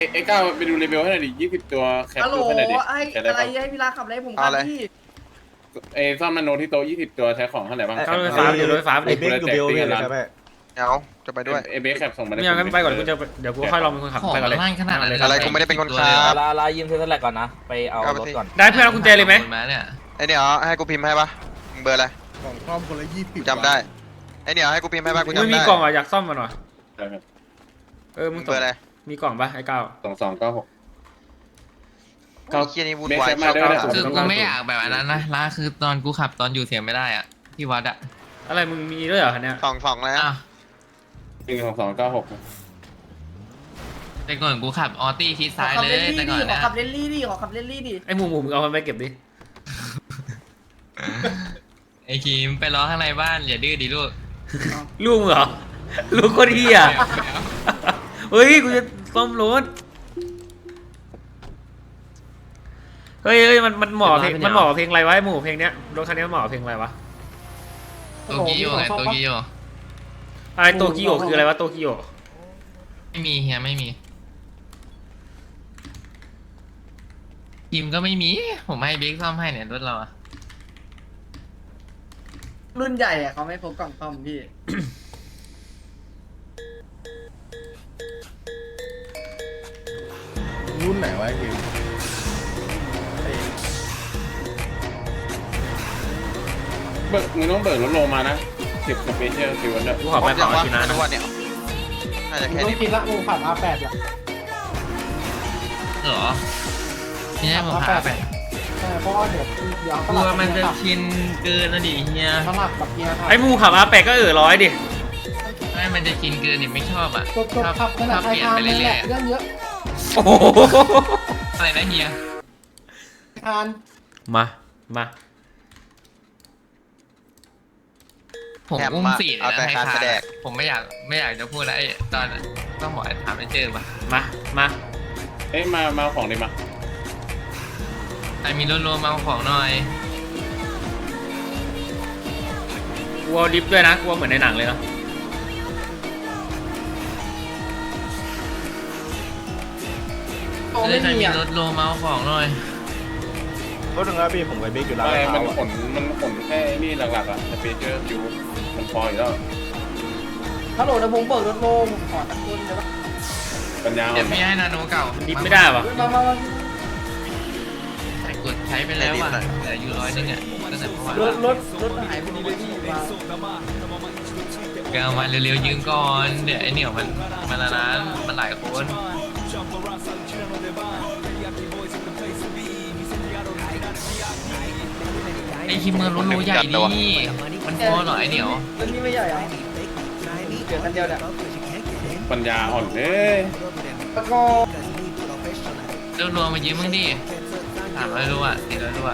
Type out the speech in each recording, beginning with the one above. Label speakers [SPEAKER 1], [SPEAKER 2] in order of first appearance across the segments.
[SPEAKER 1] เอ็กซ์ก้าไปดูรีวิวให้หน่อยดิ20 ตัวแคป
[SPEAKER 2] ฮัลโหล
[SPEAKER 1] ดูให้หน่อยดิ
[SPEAKER 2] ไอ้
[SPEAKER 1] ใช้
[SPEAKER 2] อะ
[SPEAKER 1] ได้
[SPEAKER 2] ไร
[SPEAKER 1] ปะ
[SPEAKER 2] ให้พี่ลาขับอะไรผมครับพี่
[SPEAKER 1] ซ่อมนาโนที่โต๊ะ20 ตัวใช้ของเท่าไหร่บ้าง
[SPEAKER 3] เข้ารถไฟฟ้าเดี๋ยวรถไฟฟ้าไป
[SPEAKER 4] ไอ้
[SPEAKER 3] ดิ
[SPEAKER 4] เบคอยู่เบลเลยใช่ไหม
[SPEAKER 5] เอาจะไปด้วย
[SPEAKER 1] เอเบคแคปส่งมา
[SPEAKER 3] ไม่เอางั้นไปก่อนกูจะเดี๋ยวกูค่อยลองเป็นคนขับ
[SPEAKER 6] ของ
[SPEAKER 3] ไปก่อนเลย
[SPEAKER 6] ล่างขนาดนั้นเลย
[SPEAKER 5] อะไรกูไม่ได้เป็นคนขับ
[SPEAKER 4] ลายืมเทสแลกก่อนนะไปเอารถก่อน
[SPEAKER 3] ได้เพื่อนเอากุญแจเลยไหม
[SPEAKER 6] มาเนี่ย
[SPEAKER 5] ไอเนี่ยให้กูพิมพ์ให้ปะมึงเบอร์อะไร
[SPEAKER 7] ของซ่อมคนละ20
[SPEAKER 5] จำได้ไอเนี่ยให้กูพิมพ์ให้ปะกู
[SPEAKER 3] ไม่
[SPEAKER 5] จำ
[SPEAKER 3] มี
[SPEAKER 5] ได้
[SPEAKER 3] กล่องอ่ะอยากซ่อมมาหน่อย
[SPEAKER 1] ครับ
[SPEAKER 3] มึง
[SPEAKER 5] เบอร์อะไร
[SPEAKER 3] มีกล่องปะไอ้ก้าว
[SPEAKER 1] 2296
[SPEAKER 5] ไอ้เคียนี่วุ่นวาย
[SPEAKER 1] เบคแคปมาด้วยนะ
[SPEAKER 6] คือกูไม่อยากแบบนั้นนะล่าคือตอนกูขับตอนอยู่เสียงไม่ได้อ่ะที่วัดอ่ะ
[SPEAKER 3] อะไรมึงมีด้วยเหรอคันเนี้ย
[SPEAKER 5] สองแล้ว
[SPEAKER 6] อ้าว
[SPEAKER 1] 2296
[SPEAKER 6] แต่ก่อนกูขับออตี้ชิด
[SPEAKER 2] ขอ
[SPEAKER 6] ซ้าย
[SPEAKER 2] ขับ
[SPEAKER 6] เล
[SPEAKER 2] เล่
[SPEAKER 6] ย
[SPEAKER 2] น
[SPEAKER 6] แต่
[SPEAKER 2] ลี่
[SPEAKER 6] ก่อ
[SPEAKER 2] ดิ
[SPEAKER 6] น
[SPEAKER 2] ขอ
[SPEAKER 6] นะ
[SPEAKER 2] ขับเล่นลี่ดิขอขับเล่นลี่ดิ
[SPEAKER 3] ไอ้หมูมึงเอามันไปเก็บดิ
[SPEAKER 6] ไอ้คีมไปรอข้างในบ้านอย่าดื้อดิลูก
[SPEAKER 3] ลูกมึงเหรอลูกคนเฮียเฮ้ยกูจะซ่อมรถเฮ้ยมันเหมาะเพลงมันเหมาะเพลงอะไรวะไอ้หมูเพลงเนี้ยรถคันนี้มันเหมาะเพลงอะไรวะ
[SPEAKER 6] โตกิโยไงโตกิโย
[SPEAKER 3] อะไรโตกิโอคืออะไรวะโตกิโอ
[SPEAKER 6] ไม่มีเฮียไม่มีคีมก็ไม่มีผมให้บิ๊กซ่อมให้เนี่ยรถเราอะ
[SPEAKER 2] รุ่นใหญ่อะเขาไม่พกกล่องซ่อมพี่
[SPEAKER 7] รุ่นไหนวะไอ้พิม
[SPEAKER 1] เบิกมึงต้องเบิกรถโลมานะ10สเปเชียลซิวเนี่ย
[SPEAKER 3] กูขอไป
[SPEAKER 5] จั
[SPEAKER 3] เผาง
[SPEAKER 5] วะ
[SPEAKER 3] กินนะ
[SPEAKER 5] ทุกวันเนี่ยน่าจะแค่
[SPEAKER 2] ต้อง
[SPEAKER 5] นี้
[SPEAKER 2] กินละกูขับ R8 ละ
[SPEAKER 6] เหรอไม่ใช่ผมขับไป
[SPEAKER 2] เพราะว่าเดี๋ยว
[SPEAKER 6] กลัวมันจะชินเกินนะดิเฮีย
[SPEAKER 2] สลับกับเกียร์
[SPEAKER 3] ไอ้หมูขับอาแปะก็ร้อยดิ
[SPEAKER 6] ไม่มันจะชินเกินดิไม่ชอบอ่ะ
[SPEAKER 2] จบขับขนาด
[SPEAKER 6] เปลี่ยนไปเรื่อยๆ
[SPEAKER 2] เรื่องเยอะ
[SPEAKER 3] โอ้โห
[SPEAKER 6] อะไรนะเฮีย
[SPEAKER 2] ทาน
[SPEAKER 3] มา
[SPEAKER 6] ผมอุ้มสี่เลยนะให้ทานผมไม่อยากจะพูดแล้วไอ้ตอนต้องบอกให้ถามไม่เจอป่ะ
[SPEAKER 3] มา
[SPEAKER 1] เอ้ยมาของดิมา
[SPEAKER 6] ไอ้มีรวมๆมาของหน่อย
[SPEAKER 3] กลัวดิฟด้วยนะกลัวเหมือนในหนังเลยเนาะ
[SPEAKER 2] โอ้
[SPEAKER 6] เอ
[SPEAKER 2] ไม่
[SPEAKER 6] อใคร
[SPEAKER 2] มี
[SPEAKER 6] มี
[SPEAKER 2] อ่ะ
[SPEAKER 6] รถวมมาของหน่อย
[SPEAKER 4] รถหนึ่งนะพี่ผมกับเบคอยู่ร้าน
[SPEAKER 1] อะไร
[SPEAKER 4] เท้า
[SPEAKER 1] มันขนแค่นี่หลักๆอ่ะสเปเชียลซิวมันพออยู่แล้ว
[SPEAKER 2] ฮัลโหลเดี๋ยวผมเบิกรถโลผมขอตะกุนเดี๋ยว
[SPEAKER 1] ปัญญา
[SPEAKER 6] เดี๋ยวพี่ให้นาโนเก่า
[SPEAKER 3] มันดิฟไม่ได้วะ
[SPEAKER 2] มา
[SPEAKER 6] ใส่กดใช้ไปแล้วว่ะเหลืออยู่100นึงอ่ะตั้งแต่เมื่อวาน
[SPEAKER 2] รถหายพอดีเลยพี่มา
[SPEAKER 6] ก็เอามาเร็วๆยืมก่อนเดี๋ยวไอ้เหนียวมันละนั้นมันหลายคนไอ้คิมเมอร์รถโลใหญ่ดิมันพอเหรอไอ้เหนียว
[SPEAKER 2] รถนี่ไม่ใหญ่เหรอเกิดคันเดียวเนี่ย
[SPEAKER 1] ปัญญาอ่อนเลย
[SPEAKER 2] แล้วก็
[SPEAKER 6] รวมมายืมมึงดิ300 รู้อ่ะ400 รู้อ่ะ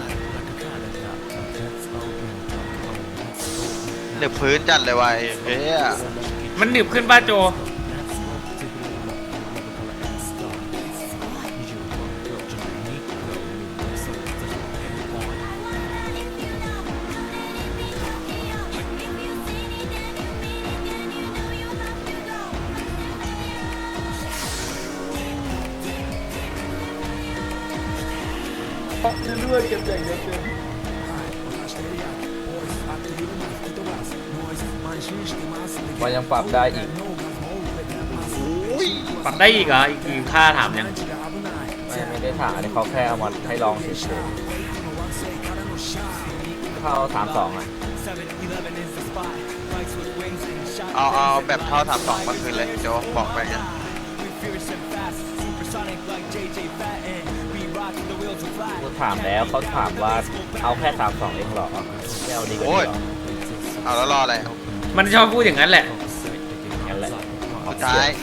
[SPEAKER 5] เดือบพื้นจัดเลยว่ะเฮ้ย
[SPEAKER 3] มันหนึบขึ้นป้าโจ
[SPEAKER 2] เรื่อยๆเก็บอย่างเดียวเต็ม
[SPEAKER 4] มันยังปรับได้อีก
[SPEAKER 3] ปรับได้อีกเหรออีกกี่ค่าถามยัง
[SPEAKER 4] ไม่ได้ถามอันนี้เขาแค่เอามาให้ลองเฉยๆเข้า32อ่ะ
[SPEAKER 5] เอาแบบเท่า32มาคืนเลยโจบอกไปกัน
[SPEAKER 4] กูถามแล้วเขาถามว่าเอาแค่32เองเหรอไม่เอาดีกว่า
[SPEAKER 5] โอ้ย
[SPEAKER 4] นี้เหรอ
[SPEAKER 5] เอาแล้วรออะไร
[SPEAKER 3] มันชอบพูดอย่างนั้นแหละ
[SPEAKER 4] งั้นแหละ
[SPEAKER 5] สุดท้าย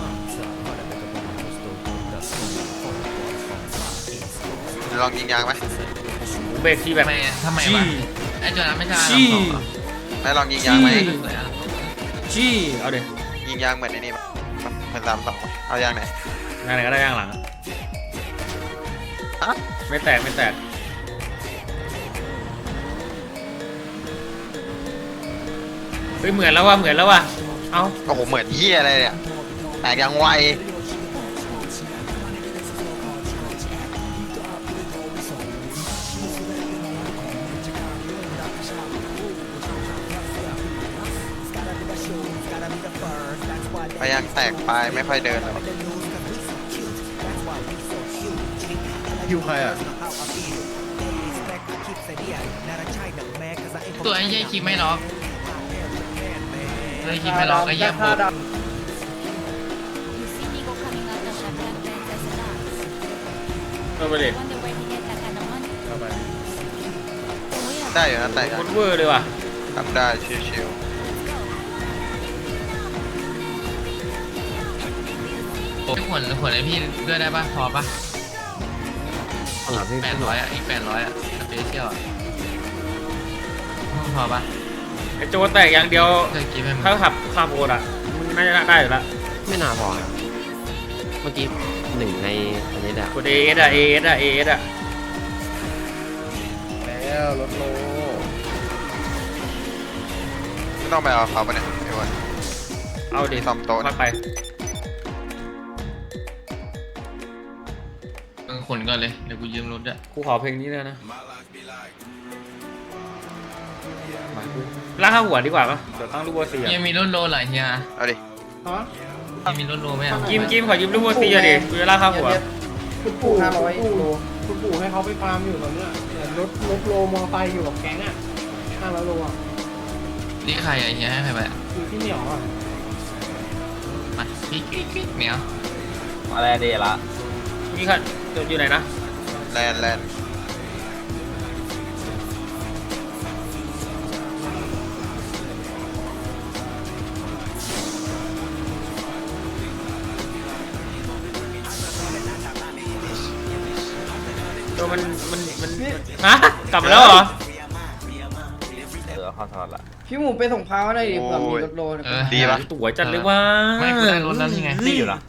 [SPEAKER 5] ลองยิงยางไหม
[SPEAKER 3] เบรกที่แบบ
[SPEAKER 6] ทำไมวะไอ้จอนั้นไม่ใช่
[SPEAKER 3] จี้
[SPEAKER 5] ไม่ลองยิงยางไหม
[SPEAKER 3] จี้เอาเดี๋ยว
[SPEAKER 5] ยิงยางเหมือนไอ้นี่เหมือน32เอายางไหน
[SPEAKER 3] งานไหนก็ได้ย่างหลังอะ
[SPEAKER 5] ฮะ
[SPEAKER 3] ไม่แตกเฮ้ยเหมือนแล้วว่ะเอ้า
[SPEAKER 5] โอ้โหเหมือนเฮียอะไรเนี่ยแตกยางไวยังแตกปลายไม่ค่อยเดินแล้ว
[SPEAKER 7] คิวใครอ่ะ
[SPEAKER 6] ตัวไอ้เหี้ยคลิปไม่ล็อกไอ้คลิปไม่ล็อกไอ้เหี้ยโคตร
[SPEAKER 3] ไปเลย
[SPEAKER 7] เข้าไป
[SPEAKER 5] ได้อยู่นะแตก
[SPEAKER 3] โคตรเวอร์เลยว่ะ
[SPEAKER 5] ทำได้ชิว
[SPEAKER 6] ผลไอพี่ด้วยได้ป่ะพอป่ะ800อ่ะอีก800อ่ะสเปเชียลอ่ะพอป่ะ
[SPEAKER 3] ไอโจแตกอย่างเดียว
[SPEAKER 6] เคยกินไหม
[SPEAKER 3] ถ้าขับข้ามโบนอ่ะมันน่าจะได้อยู่แล้ว
[SPEAKER 8] ไม่น่าพอครับเมื่อกี้หนึ่งในอันนี้แหละ
[SPEAKER 3] กดเอเอสอ่ะเอเอสอ่ะเอเอสอ่ะ
[SPEAKER 7] แล้วรถโล
[SPEAKER 5] ๆไม่ต้องไปเอาเขาไปเนี่ยไอ้วัน
[SPEAKER 3] เอาดิ
[SPEAKER 5] ซ่อมโต๊ะ
[SPEAKER 3] พักไป
[SPEAKER 6] มึงขนก่อนเลยเดี๋ยวกูยืมรถอ่ะ
[SPEAKER 3] กูขอเพลงนี้เลยนะล่ากข้าหัวดีกว่าปะเดี๋ยวตั้งลูกบัวเสีย
[SPEAKER 6] เฮียมีรถโลหลายเฮีย
[SPEAKER 5] เอาดิ
[SPEAKER 2] ฮะ
[SPEAKER 6] มีรถโลไหมอ่ะ
[SPEAKER 3] กิมขอยืมลูกบัวเสียดิกูจะล่ากข้าหัว
[SPEAKER 2] คุณปู่500โลคุณปู่ให้เขาไปฟาร์มอยู่ตอนเนี้ยรถโลมอไซค์อยู่กับแก๊งอ่ะ500โลอ่ะ
[SPEAKER 6] นี่ใครอ่ะเฮียให้ใครไปอ่ะ
[SPEAKER 2] อยู่ที่เหนียวอ่ะ
[SPEAKER 6] มาพี่เหนียว
[SPEAKER 4] อะไรเดละ
[SPEAKER 3] นี่ค่ะอยู่ไหนนะ
[SPEAKER 5] แลนด์
[SPEAKER 3] ตัวมันฮะกลับมาแล้วเหรอ
[SPEAKER 4] เข้าทอดละ
[SPEAKER 2] พี่หมูไปส่งพาวหน่อยดิเผื่อมีรถโลนะ
[SPEAKER 5] ดีปะ
[SPEAKER 3] สวยจัดเลยว่ะ
[SPEAKER 6] ไม่กูได้รถแล้วนี่ไง
[SPEAKER 4] นี่อยู่เหรอ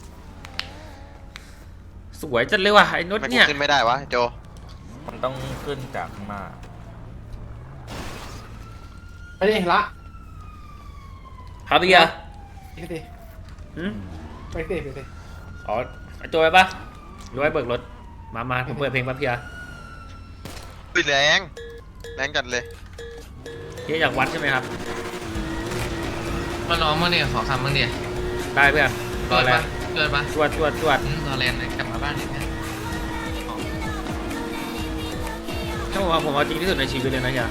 [SPEAKER 3] สวยจัดเลยว่ะไอ้นุช
[SPEAKER 5] ไม่กู
[SPEAKER 3] เนี่ย
[SPEAKER 5] ขึ้นไม่ได้วะโจ
[SPEAKER 4] มันต้องขึ้นจากข้างหน้า
[SPEAKER 2] ไปดิละ
[SPEAKER 3] ครับพี่อะ
[SPEAKER 2] ไปสิ
[SPEAKER 3] หืม
[SPEAKER 2] ไปสิไปสิ
[SPEAKER 3] อ๋อไอ้โจไปปะหรือว่าเบิกรถมาผมเปิดเพลงปะพี่อะ
[SPEAKER 5] แรงจัดเลย
[SPEAKER 3] พี่อยากวัดใช่ไหมครับ
[SPEAKER 6] มาร้องมั้งเนี่ยขอคำมั้งเนี่ย
[SPEAKER 3] ได้เพื่อนร
[SPEAKER 6] เกิ
[SPEAKER 3] อ
[SPEAKER 6] ด
[SPEAKER 3] แล
[SPEAKER 6] ปะ
[SPEAKER 3] นด์
[SPEAKER 6] เกิดปะ
[SPEAKER 3] จวด
[SPEAKER 6] รอแลนด์เลยกลับมาบ้านเลยเนี่ย
[SPEAKER 3] ถ้าผมเอาจริงที่สุดในชีวิตเลยนะเฮีย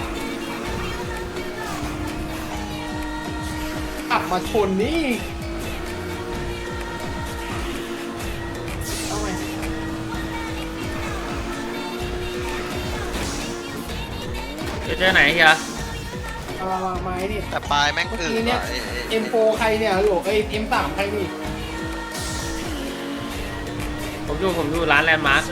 [SPEAKER 2] ขับมาชนนี่เอาไง
[SPEAKER 3] จะเจอไหนเฮีย
[SPEAKER 2] เอามาไม้ดิ
[SPEAKER 5] แต่ปลายแม่ง
[SPEAKER 2] เมื่อ
[SPEAKER 5] คือ
[SPEAKER 2] กี้เนี่ย M4 ใครเนี่ยหลวกM3 ใครนี่
[SPEAKER 3] ผมอยู่ร้านแลนด์มาร์ค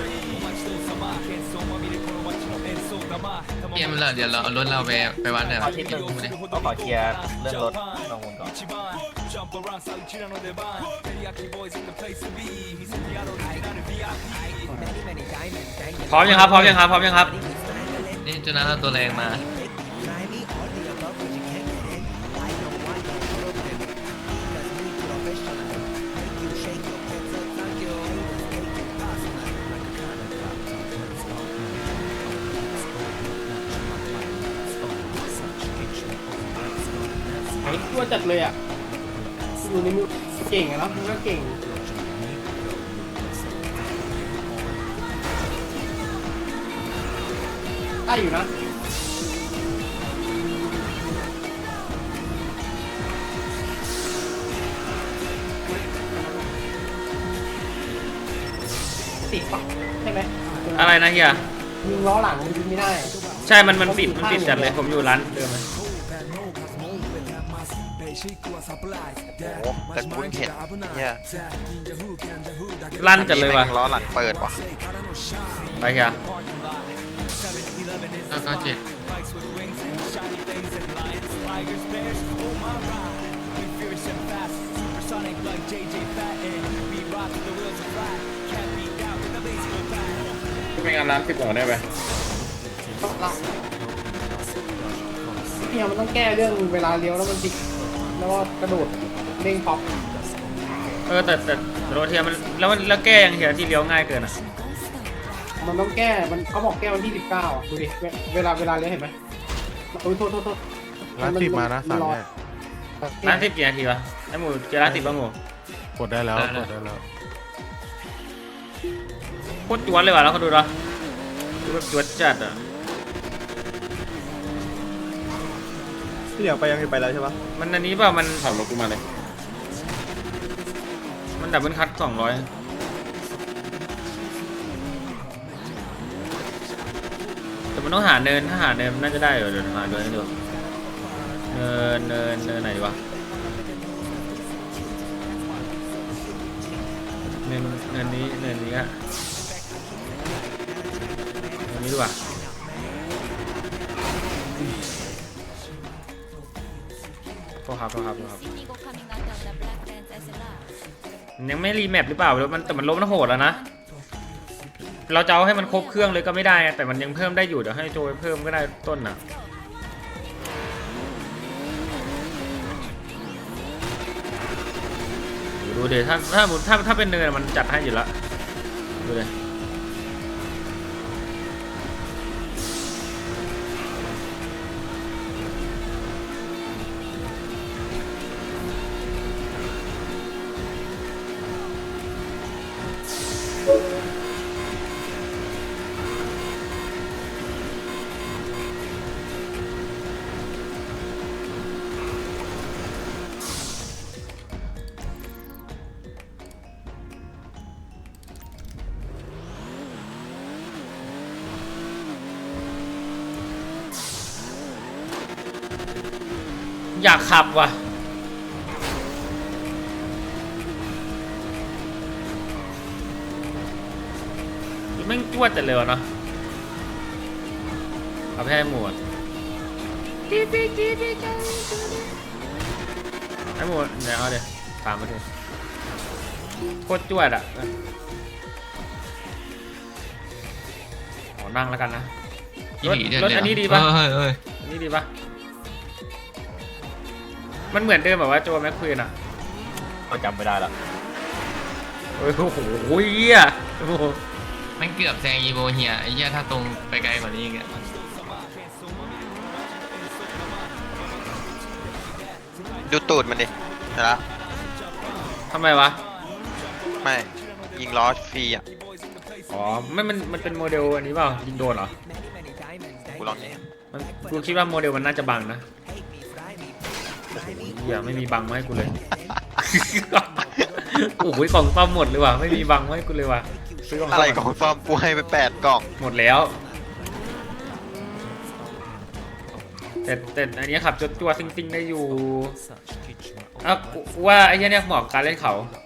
[SPEAKER 6] เกมเลยเดี๋ยวเราเอารถเราไปวัดหน่อย
[SPEAKER 4] ขอทิศหนึ่งต้องขอเคลียร์เรื่องรถลงบนก่อน
[SPEAKER 3] พร้อมยังครับ
[SPEAKER 6] นี่จุดนั้นเราตัวแรงมา
[SPEAKER 2] ไอ้ตัวจัดเลยอ่ะอยู่ในมือเก่งอะเนาะมันก็เก่งได้อยู่นะติดปะใช่ไหม
[SPEAKER 3] อะไรนะเฮีย
[SPEAKER 2] ยิงล้อหลังมันยิงไม่ได้
[SPEAKER 3] ใช่มันปิดจัดเลยผมอยู่ร้านเดิมเลย
[SPEAKER 5] โอ้แต่กูเห็นเนี่ย
[SPEAKER 3] ลั่นจัดเลยว่ะ
[SPEAKER 5] แม่งล้อหลังเปิดว่ะ
[SPEAKER 3] ไปเฮีย
[SPEAKER 6] แล้วก็เจ็ด
[SPEAKER 1] ไม่งานร้าน10 ก่อนได้ไหม
[SPEAKER 2] เนี่ยมันต้องแก้เรื่องเวลาเลี้ยวแล้วมันติดแล้วก็กระโดดเด้งป๊อป
[SPEAKER 3] แต่รถเฮียมันแล้วแก้ยังเฮียที่เลี้ยวง่ายเกินอ่ะ
[SPEAKER 2] มันต้องแก้มันเขาบอกแก้วันที่19อ่ะดูดิเวลาเลี้ยวเห็นไหมโอ้ยโทษ
[SPEAKER 7] ร้าน10มานะ
[SPEAKER 2] มั
[SPEAKER 7] สั่ง
[SPEAKER 2] รอ
[SPEAKER 7] แน่
[SPEAKER 3] ร้าน10 กี่นาทีวะไอ้หมูเจล่าติดป่ะหมู
[SPEAKER 7] กดได้แล้วกดได้แล้ว
[SPEAKER 3] โคตรจวนเลยว่ะแล้วเขาดูเหรอดูแบบจวดจัดอ่ะ
[SPEAKER 9] ที่เหลือไปยังไปแล้วใช่ปะ
[SPEAKER 3] มันอันนี้เปล่ามัน
[SPEAKER 1] ขับรถกูมาเลย
[SPEAKER 3] มันดับเบิลคัท200แต่มันต้องหาเนินถ้าหาเนินมันน่าจะได้อยู่เดี๋ยวหาเนินให้ดูเนินไหนดีวะเนินนี้อะเนินนี้ดีกว่าโทษครับมันยังไม่รีแมปหรือเปล่าแล้วแต่มันล้มมันโหดแล้วนะเราจะเอาให้มันครบเครื่องเลยก็ไม่ได้แต่มันยังเพิ่มได้อยู่เดี๋ยวให้โจไปเพิ่มก็ได้ต้นน่ะดูเดี๋ยวถ้าเป็นเนินมันจัดให้อยู่แล้วดูเลยอยากขับว่ะแม่งจวดแต่เร็วเนาะเอาแพ้หมดไอ้หมดเดี๋ยวเอาเดี๋ยวตามมาเถอะโคตรจวดอ่ะขอนั่งแล้วกันนะรถอันนี้ดีป่ะอันนี้ดีป่ะมันเหมือนเดิมแบบว่าโจแม็กควีนอ่ะ
[SPEAKER 4] ก็จำไม่ได้ละ
[SPEAKER 3] โอ้โหเหี้ยโอ้โห
[SPEAKER 6] มันเกือบแซงอีโวเฮียไอ้เหี้ยถ้าตรงไปไกลกว่านี้อีกอะ
[SPEAKER 5] ดูตูดมันดิเห็นละ
[SPEAKER 3] ทำไมวะ
[SPEAKER 5] ไม่ยิงล้อฟรีอ่ะ
[SPEAKER 3] อ๋อไม่มันเป็นโมเดลอันนี้เปล่ายิงโดนเหรอ
[SPEAKER 5] กูลองยิง
[SPEAKER 3] มันกูคิดว่าโมเดลมันน่าจะบังนะโอ้โหเหี้ยไม่มีบังมาให้กูเลย โอ้โหกล่องซ่อมหมดเลยว่ะไม่มีบังมาให้กูเลยว่ะซื้อกล่องซ่
[SPEAKER 5] อะไรของฟอร์มกูให้ไป8 กล่อง
[SPEAKER 3] หมดแล้วแต่อันนี้ขับจัวซิงๆได้อยู่กูว่าไอ้เนี่ยเหมาะกับการเล่นเขา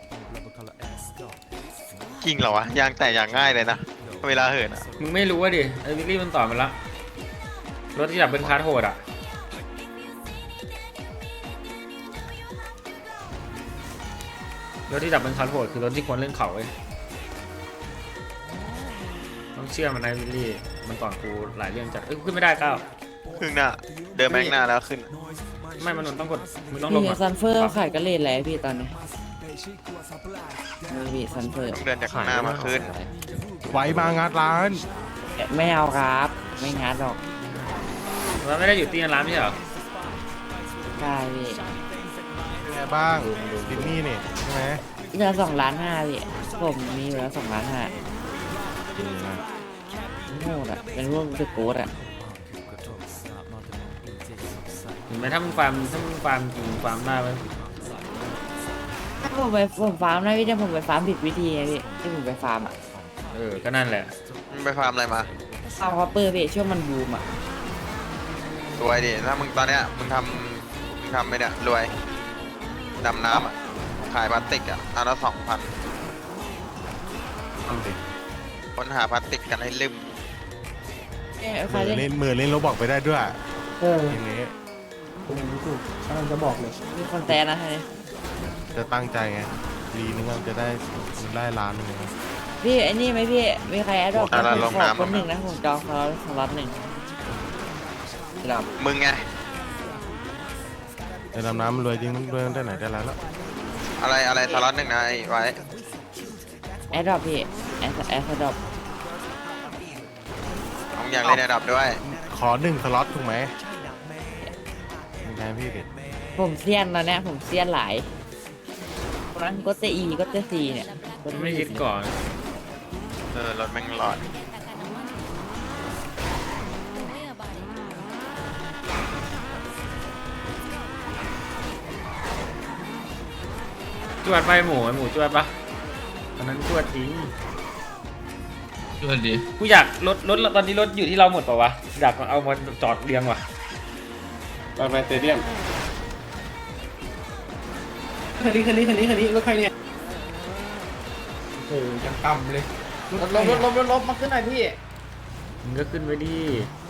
[SPEAKER 5] จริงเหรอวะยางแตกอย่างง่ายเลยนะเวลาเหินอ่ะ
[SPEAKER 3] มึงไม่รู้ว่าดิไอ้วิลลี่มันต่อมาละรถที่ดับเป็นคาร์โหดอ่ะรถที่ดับเป็นคาร์โหดคือรถที่ควรเล่นเขาเว้ยต้องเชื่อมันนะวิลลี่มันก่อนกูหลายเรื่องจัดกูขึ้นไม่ได้ก้าว
[SPEAKER 5] ครึ่งหน้าเดินแม็กหน้าแล้วขึ้น
[SPEAKER 3] ไม่มันต้องกดมึงต้องลง
[SPEAKER 8] พี่
[SPEAKER 3] อ่ะ
[SPEAKER 8] ซันเฟอร์ขายกระเลนแล้วพี่ตอนนี้พี่ซันเฟอร์
[SPEAKER 5] เดินจากข้างหน้ามาขึ้น
[SPEAKER 7] ไว้มางานร้าน
[SPEAKER 8] ไม่เอาครับไม่งัดหรอก
[SPEAKER 3] มันไม่ได้อยู่ตีนร้านไม่ใช่เหรอ
[SPEAKER 8] ได้พี่
[SPEAKER 7] เป็นไงบ้างดินนี่นี่ใช่ไหม
[SPEAKER 8] เหลือ2.5 ล้านพี่ผมมีอยู่แล้ว2.5 ล้าน
[SPEAKER 7] ดีนะ
[SPEAKER 8] โหดอ่ะเป็นพวกสกู๊ตอ่ะ
[SPEAKER 3] เห็นไหมถ้ามึงฟาร์มจริงฟาร์มได้ไหม
[SPEAKER 8] ถ้าผมฟาร์มนะพี่แต่ผมไปฟาร์มผิดวิธีไงพี่ที่ผมไปฟาร์มอ่ะ
[SPEAKER 3] ก็นั่นแหละ
[SPEAKER 5] มึงไปฟาร์มอะไรมา
[SPEAKER 8] ฟาร์มคอปเปอร์พี่ช่วงมันบูมอ่ะ
[SPEAKER 5] รวยดิถ้ามึงตอนเนี้ยมึงทำไปเนี่ยรวยดำน้ำอ่ะขายพลาสติกอ่ะอันละ2,000
[SPEAKER 7] เอาดิ
[SPEAKER 5] ค้นหาพลาสติกกันให้ลืม
[SPEAKER 8] ใคร
[SPEAKER 7] มือ
[SPEAKER 8] เล่น
[SPEAKER 7] เล่นโรบอกไปได้ด้วย
[SPEAKER 2] เออ
[SPEAKER 7] ทีนี้
[SPEAKER 2] ผมรู้สึกกำลังจะบอกเลย
[SPEAKER 8] มีคนแซนนะทีนี้
[SPEAKER 7] จะตั้งใจไงลีนึงจะได้ล้านหนึงนะ
[SPEAKER 8] พี่ไอ้นี่ไหมพี่มีใครแอดดอกผมขอคนหนึ่งนะผมจองสล็อตหนึ่งครับ
[SPEAKER 5] มึงไง
[SPEAKER 7] ในดำน้ำมันรวยจริงรวยได้ไหนได้แล้ว
[SPEAKER 5] อะไรสล็อตหนึ่งนะไอ้ไว้
[SPEAKER 8] แอดดอกพี่แอดดอก
[SPEAKER 5] มึงอยากเล่นระดับด้วย
[SPEAKER 7] ขอ1 สล็อตถูกไหมยังไงพี่เด็ด
[SPEAKER 8] ผมเซียนแล้วเนี่ยผมเซียนหลายนะก็เตอีก็เตซีเนี่ย
[SPEAKER 3] มันไม่ยึดก่อน
[SPEAKER 5] รถแม่งหลอด
[SPEAKER 3] จวดไปหมูไอหมูจวดปะตอนนั้นจวดทิ้ง
[SPEAKER 6] ช่วยดี
[SPEAKER 3] กูอยากรถตอนนี้รถอยู่ที่เราหมดเปล่าวะอยากเอามาจอดเรียงว่ะ
[SPEAKER 1] ไปสเตเดียม
[SPEAKER 2] คันนี้รถใครเนี่ยโอ้ยังต่ำเลย
[SPEAKER 8] ลบมาขึ้นหน่อยพี่
[SPEAKER 3] มึงก็ขึ้นไปดิ